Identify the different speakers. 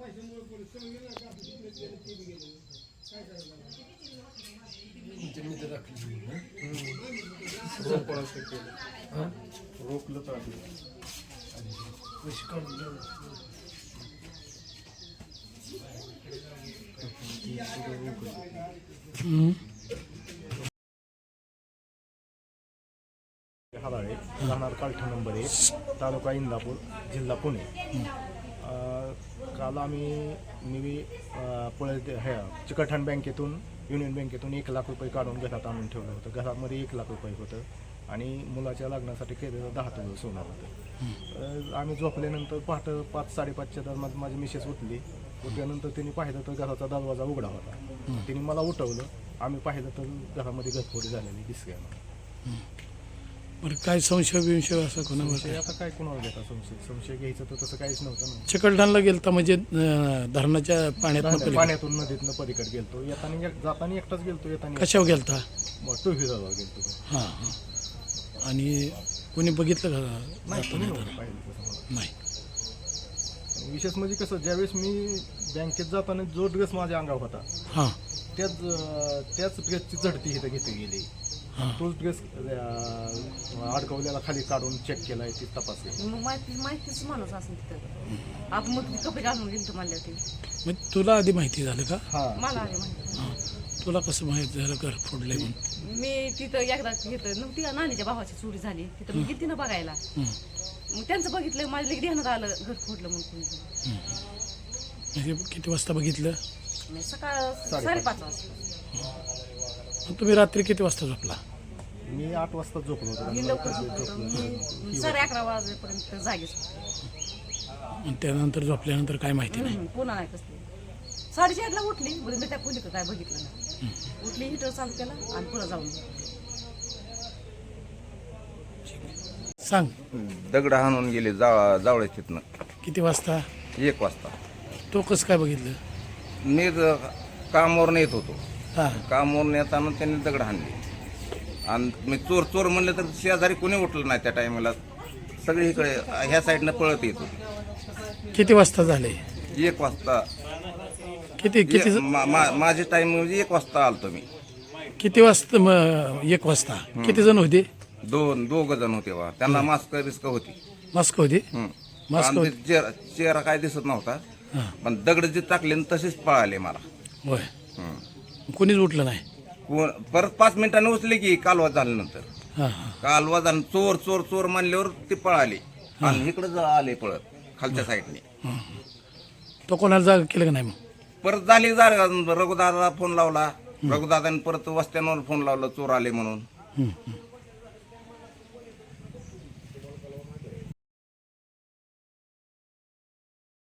Speaker 1: रोखलं तर हादाळे राहणार कालठा नंबर 1 तालुका इंदापूर जिल्हा पुणे। काल मी चिकटहण बँकेतून युनियन बँकेतून 1 लाख रुपये काढून घरात आणून ठेवलं होतं। घरामध्ये 1 लाख रुपये होतं आणि मुलाच्या लग्नासाठी केलेलं 10 तोळे सोनं होतं। आम्ही झोपल्यानंतर पहाटे 5-5:30च्या दरम्यान माझी मिसेस उठल्यानंतर त्यांनी पाहिलं तर घराचा दरवाजा उघडा होता। तिने मला उठवलं, आम्ही पाहिलं तर घरामध्ये घरफोडी झालेली दिसली आम्हाला।
Speaker 2: बरं, काय संशय असं कोणावर?
Speaker 1: आता काय कोणावर घेता संशय घ्यायचं तर तसं काहीच नव्हतं ना।
Speaker 2: चिकलठाणला गेलता म्हणजे धरणाच्या
Speaker 1: पाण्यातून नदीतनं पलीकडे गेलतो, जाताना एकटाच गेलतो, येताना
Speaker 2: कशावर गेलता?
Speaker 1: टू व्हीलरवर गेलतो।
Speaker 2: हां हां। आणि कोणी बघितलं का? नाही।
Speaker 1: विशेष म्हणजे कसं, ज्यावेळेस मी बँकेत जाताना जो ड्रेस माझ्या अंगावर होता
Speaker 2: हां
Speaker 1: त्याच ड्रेसची झडती इथं घेतली गेली। तोच ड्रेस अडकवलेला खाली काढून चेक केलाय, ती तपासली।
Speaker 3: माहितीच माणूस असेल तिथं, आपण मग कपडे घालून गेलो म्हणल्या ते।
Speaker 2: मग तुला आधी माहिती झालं का?
Speaker 3: मला आधी माहिती।
Speaker 2: तुला कसं माहिती झालं घर फोडलंय म्हणून?
Speaker 3: मी तिथं एकदा घेतं नव्हती का, नानीच्या भावाची चोरी झाली तिथं, मी गेली ना बघायला। मग त्यांचं बघितलं, माझ्या लगेच ध्यानात आलं घर फोडलं म्हणून।
Speaker 2: म्हणजे किती वाजता बघितलं?
Speaker 3: सकाळ 5:30 वाजता।
Speaker 2: तुम्ही रात्री किती वाजता झोपला?
Speaker 1: मी 8 वाजता झोपलो होतो।
Speaker 3: मी लवकर झोपलो, मी 11:30 वाजेपर्यंत जागीच होतो।
Speaker 2: त्यानंतर झोपल्यानंतर काय माहिती नाही?
Speaker 3: पुन्हा नाही कसली 4:30ला उठली, मी त्या खोलीत काय बघितलं नाही। उठली, हिटर चालू केला आणि पुढे जाऊन
Speaker 2: सांग।
Speaker 4: दगड हाणून गेले जावळे तिथनं।
Speaker 2: किती वाजता?
Speaker 4: 1 वाजता।
Speaker 2: तो कसं काय बघितलं?
Speaker 4: मी कामावर येत होतो,
Speaker 2: हां
Speaker 4: कामावर येताना त्यांनी दगड हाणले आणि मी चोर म्हणलं तर शेजारी कोणी उठलं नाही त्या टायमाला। सगळे इकडे ह्या साईडनं पळत येत होते।
Speaker 2: किती वाजता झाले?
Speaker 4: 1 वाजता।
Speaker 2: किती
Speaker 4: माझे टाइम म्हणजे 1 वाजता आलतो मी।
Speaker 2: किती वाजता? 1 वाजता किती जण होते?
Speaker 4: दोघ जण होते बा, त्यांना मास्क रिस्क होती।
Speaker 2: मास्क होती?
Speaker 4: चेहरा काय दिसत नव्हता, पण दगड जे टाकले तसेच पळाले मला।
Speaker 2: होय, कोणीच उठलं नाही?
Speaker 4: परत 5 मिनिटांनी उचले की कालवा झाल्यानंतर।
Speaker 2: हां हां।
Speaker 4: कालवा झालं, चोर चोर चोर म्हणल्यावर ते पळाले आणि इकडे आले पळत खालच्या साईडने।
Speaker 2: तो कोणाला जागा केलं का नाही? मग
Speaker 4: परत झाली रघुदादाला फोन लावला, रघुदादाने परत वस्त्यांवर फोन लावला चोर आले म्हणून।